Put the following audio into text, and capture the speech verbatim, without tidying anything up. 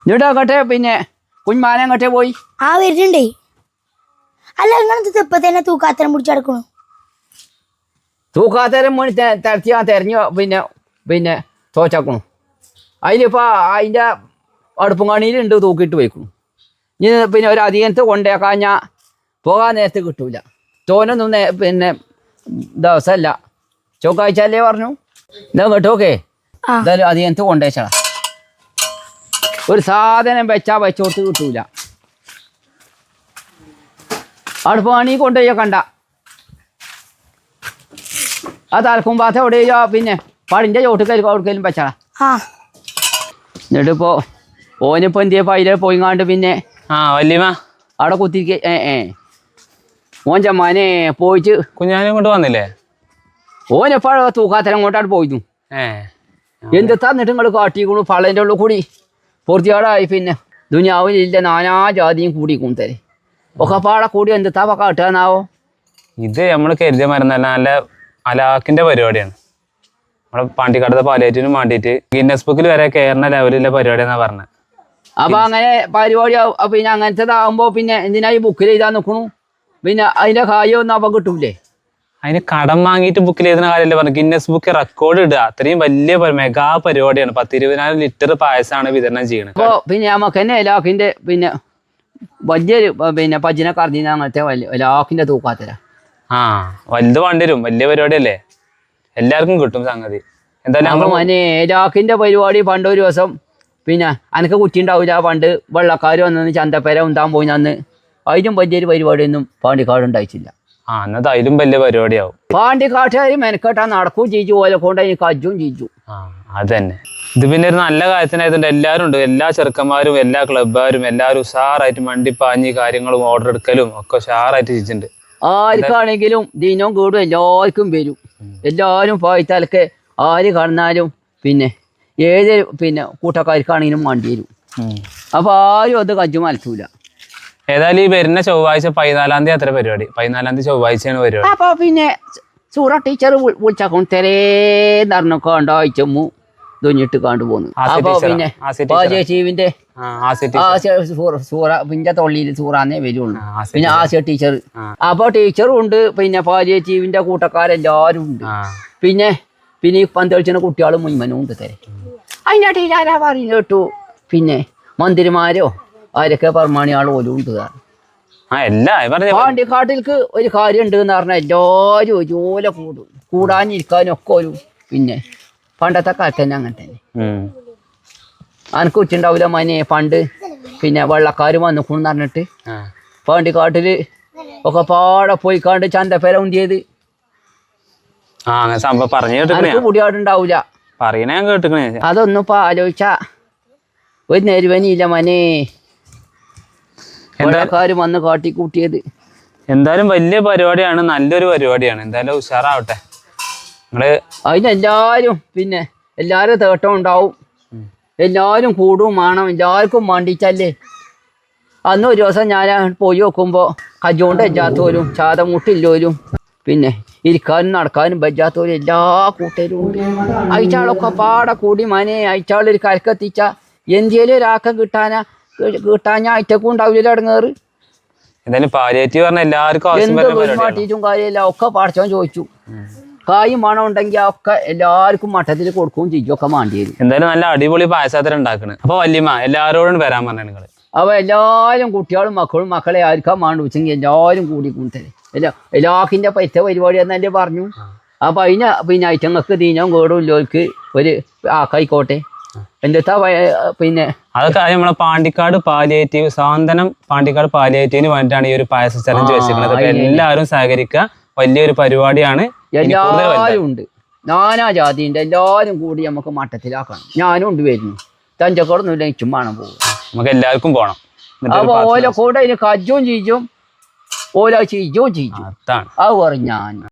എന്നിട്ട് അങ്ങോട്ടെ പിന്നെ കുഞ്ഞുമാന അങ്ങോട്ടേ പോയി ആ വരുന്നുണ്ടേ. അല്ല ഇങ്ങനത്തെ ഇപ്പൊ തന്നെ തൂക്കാത്തരം പിടിച്ചെടുക്കണു. തൂക്കാത്തരം മണി തരത്തി ആ തെരഞ്ഞു പിന്നെ പിന്നെ തോച്ചാക്കണു. അതിലിപ്പോൾ അതിൻ്റെ അടുപ്പും കണിയിലുണ്ട് തൂക്കിയിട്ട് വയ്ക്കണം. ഇനി പിന്നെ ഒരു അധികത്ത് കൊണ്ടേക്കാൻ ഞാൻ പോകാൻ നേരത്ത് കിട്ടൂല. തോനൊന്നും പിന്നെ ദിവസമല്ല ചൊവ്വാഴ്ചയല്ലേ പറഞ്ഞു. എന്താ കേട്ടോക്കെ എന്തായാലും അധികത്ത് കൊണ്ടേച്ചാ ഒരു സാധനം വെച്ചാൽ വെച്ചോട്ട് കിട്ടൂല. അടുപ്പ് കണി കൊണ്ടുപോയി കണ്ട ആ തലക്കുമ്പാത്ത എവിടെയോ പിന്നെ പടിൻ്റെ ചോട്ടിക്കൽ കൊടുക്കലും വെച്ചാളാ. എന്നിട്ടിപ്പോൾ ഓനിപ്പോൾ എന്തിയപ്പോൾ അതിലെ പോയിങ്ങാണ്ട് പിന്നെ ആ വല്യമ്മ അവിടെ കുത്തിരിക്ക ഏ ഏ ഓൻ ചമ്മാനെ പോയിട്ട് കുഞ്ഞാനും കൊണ്ട് വന്നില്ലേ? ഓനെപ്പോഴോ തൂക്കാത്തരം കൊണ്ടാണ് പോയിരുന്നു. എന്തെത്താ എന്നിട്ട് നിങ്ങൾ കാട്ടിക്കണു പള്ളേൻ്റെ ഉള്ളിൽ കൂടി പൂർത്തിയാടായി. പിന്നെ ദുനിയാവിലില്ല നാനാ ജാതിയും കൂടി കൂന്തരെ ഒക്കെ പാടെ കൂടി എന്തെത്താ കാട്ടുകയെന്നാവോ? ഇത് നമ്മൾ കരുതിയ മരുന്നല്ല, നല്ല അലാക്കിന്റെ പരിപാടിയാണ്. നമ്മളെ പാണ്ടിക്കാടത്തെ പാലിയേറ്റിനും വേണ്ടിയിട്ട് ഗിന്നസ് ബുക്കിൽ വരെ കയറുന്ന ലെവലിലെ പരിപാടിയാണെന്നാ പറഞ്ഞത്. അപ്പൊ അങ്ങനെ പരിപാടി പിന്നെ അങ്ങനത്തേതാകുമ്പോ പിന്നെ എന്തിനാ ഈ ബുക്കിൽ എഴുതാൻ നിൽക്കണു? പിന്നെ അതിന്റെ കാര്യമൊന്നും അപ്പം കിട്ടൂലേ? അതിന് കടം വാങ്ങിയിട്ട് ബുക്കിൽ എഴുതുന്ന കാര്യമല്ലേ പറഞ്ഞു. ഗിന്നസ് ബുക്ക് റെക്കോർഡ് ഇടുക, അത്രയും വലിയ മെഗാ പരിപാടിയാണ്. പത്തിരുപതിനായിരം ലിറ്റർ പായസമാണ് വിതരണം ചെയ്യുന്നത്. അപ്പോൾ പിന്നെ നമുക്ക് തന്നെ ലാക്കിന്റെ പിന്നെ വലിയൊരു പിന്നെ പജിനെ കറഞ്ഞ അങ്ങനത്തെ വലിയ ലാക്കിന്റെ തൂക്കാത്തരാ. ആ വലുത് വേണ്ടി വരും, വലിയ പരിപാടിയല്ലേ, എല്ലാവർക്കും കിട്ടും സംഗതി. എന്തായാലും മനെ ലാക്കിന്റെ പരിപാടി പണ്ട് ഒരു ദിവസം പിന്നെ അനക്ക് കുറ്റി ഉണ്ടാവില്ല. പണ്ട് വെള്ളക്കാർ വന്നു ചന്തപ്പേര ഉണ്ടാൻ പോയി അന്ന് അതിലും വലിയൊരു പരിപാടിയൊന്നും പാണ്ടിക്കാട് ഉണ്ടായിട്ടില്ല. ആ എന്നത് അതിലും വലിയ പരിപാടിയാവും. പാണ്ടിക്കാട്ടുകാർ മെനക്കെട്ടാ നടക്കുകയും ചെയ്തു, ഓലെ കൊണ്ട് അതിന് കജ്ജും ചെയ്തു. ആ അത് തന്നെ. ഇത് പിന്നെ ഒരു നല്ല കാര്യത്തിനായതുകൊണ്ട് എല്ലാവരും ഉണ്ട്, എല്ലാ ചെറുക്കന്മാരും എല്ലാ ക്ലബ്ബുകാരും എല്ലാവരും ഉഷാറായിട്ട് മണ്ടിപ്പാഞ്ഞ് കാര്യങ്ങളും ഓർഡർ എടുക്കലും ഒക്കെ ഉഷാറായിട്ട് ചെയ്തിട്ടുണ്ട്. ആർക്കാണെങ്കിലും ദിനവും കൂടും എല്ലാവർക്കും വരും. എല്ലാവരും പോയിത്താലൊക്കെ ആര് കടന്നാലും പിന്നെ ഏത് പിന്നെ കൂട്ടക്കാർക്കാണെങ്കിലും വണ്ടി വരും. അപ്പോൾ ആരും അത് കജ്ജു മലത്തൂല. ഏതായാലും ഈ വരുന്ന ചൊവ്വാഴ്ച പതിനാലാം തീയതി അത്ര പരിപാടി. പതിനാലാം തീയതി ചൊവ്വാഴ്ചയാണ് പരിപാടി. അപ്പൊ പിന്നെ സൂറ ടീച്ചർ വിളിച്ചാക്കും തെരേന്നറിഞ്ഞ കണ്ടാഴ്ചമ്മു തുഞ്ഞിട്ട് കണ്ടു പോന്നു. അപ്പൊ പിന്നെ പാചേച്ചീവിന്റെ സൂറ പിന്നെ തൊള്ളിയിൽ സൂറാന്നേ വരുള്ളൂ. പിന്നെ ആസിയ ടീച്ചർ. അപ്പൊ ടീച്ചറും ഉണ്ട്, പിന്നെ പാചേച്ചീവിന്റെ കൂട്ടക്കാരെല്ലാരും ഉണ്ട്. പിന്നെ പിന്നെ ഈ പന്തളിച്ചിന് കുട്ടികളും മുൻമനും ഉണ്ട് തരെ. അതിൻ്റെ ടീച്ചറാ പറഞ്ഞു കേട്ടു പിന്നെ മന്ത്രിമാരോ ആരൊക്കെ പ്രമാണിയാൾ പോലും ഉണ്ട്. പാണ്ടിക്കാട്ടിൽക്ക് ഒരു കാര്യം ഉണ്ട് എന്ന് പറഞ്ഞാൽ എല്ലാവരും ഒരുപോലെ കൂടും. കൂടാനിരിക്കാനും ഒക്കെ ഒരു പിന്നെ പണ്ടത്തെ കാലത്ത് തന്നെ അങ്ങനെ തന്നെ. അനക്ക് ഉച്ചുണ്ടാവില്ല മനെ പണ്ട് പിന്നെ വെള്ളക്കാർ വന്നിക്കൂന്ന് പറഞ്ഞിട്ട് പാണ്ടിക്കാട്ടില് ഒക്കെ പാടെ പോയിക്കാണ്ട് ചന്തപ്പേര ഉന്തിയത് മുടിയാടുണ്ടാവൂല. അതൊന്നും ഇപ്പൊ ആലോചിച്ച ഒരു നെരുവനിയില്ല മനെ. വെള്ളക്കാര് വന്ന് കാട്ടിക്കൂട്ടിയത്. എന്തായാലും വലിയ പരിപാടിയാണ്, നല്ലൊരു പരിപാടിയാണ്. എന്തായാലും ഉഷാറാവട്ടെ. നിങ്ങള് അതിനെല്ലാരും പിന്നെ എല്ലാരും തേട്ടം ഉണ്ടാവും, എല്ലാരും കൂടും വേണം, എല്ലാവർക്കും വേണ്ടിച്ചല്ലേ. അന്ന് ഒരു ദിവസം ഞാൻ പോയി നോക്കുമ്പോ കജോണ്ട് വെച്ചാത്തോലും ചാതമുട്ടില്ലോലും പിന്നെ ഇരിക്കാനും നടക്കാനും വെച്ചാത്തോലും എല്ലാ കൂട്ടരും ഉണ്ട്. അയച്ചാളൊക്കെ പാടെ കൂടി മനെ അയച്ചാളൊരു കരക്കെത്തിച്ച എന്തിയേലും ഒരാക്കം കിട്ടാനാ കിട്ടാൻ അയറ്റക്കും ഉണ്ടാവില്ല ഇടങ്ങേറ്. മാറ്റിയിട്ടും കാര്യമില്ല, ഒക്കെ പഠിച്ചോൻ ചോദിച്ചു. കായും മണം ഉണ്ടെങ്കിൽ ഒക്കെ എല്ലാവർക്കും മട്ടത്തിൽ കൊടുക്കുകയും ചെയ്യും, ഒക്കെ മാണ്ടി വരും. എന്തായാലും നല്ല അടിപൊളി പായസത്തിൽ ഉണ്ടാക്കണം. അപ്പൊ വല്യമ്മ എല്ലാവരോടും വരാൻ പറഞ്ഞു നിങ്ങള്. അപ്പൊ എല്ലാവരും കുട്ടികളും മക്കളും മക്കളെ ആർക്കാ മാണ്ട് വെച്ചെങ്കിൽ എല്ലാവരും കൂടി കൂട്ടല് എല്ലാ എല്ലാക്കിൻ്റെ പൈസ പരിപാടി എന്നല്ലേ പറഞ്ഞു. അപ്പൊ അതിന് പിന്നെ ഐറ്റങ്ങൾക്ക് ദീനവും കേടും ഇല്ലോർക്ക് ഒരു ആക്കായിക്കോട്ടെ. എന്താ പിന്നെ അതൊക്കെ നമ്മളെ പാണ്ടിക്കാട് പാലിയേറ്റീവ് സാന്ത്വനം പാണ്ടിക്കാട് പാലിയേറ്റീവിന് വേണ്ടിയിട്ടാണ് ഈ ഒരു പായസ ചലഞ്ച് വെച്ചിരിക്കുന്നത്. അപ്പൊ എല്ലാവരും സഹകരിക്കുക, വലിയൊരു പരിപാടിയാണ്. എല്ലാവരും ഉണ്ട്, നാനാ ജാതിയുണ്ട്, എല്ലാവരും കൂടി നമുക്ക് മട്ടത്തിലാക്കണം. ഞാനും ഉണ്ട് വരുന്നു, തഞ്ചക്കോടൊന്നുമില്ല, ഇച്ചും വേണം പോകും, നമുക്ക് എല്ലാവർക്കും പോകണം. അപ്പൊ ഓല കൂടെ അതിന് കജ്ജും ചീജും ഓല ചീജും ചീജും അത് പറഞ്ഞു ഞാൻ.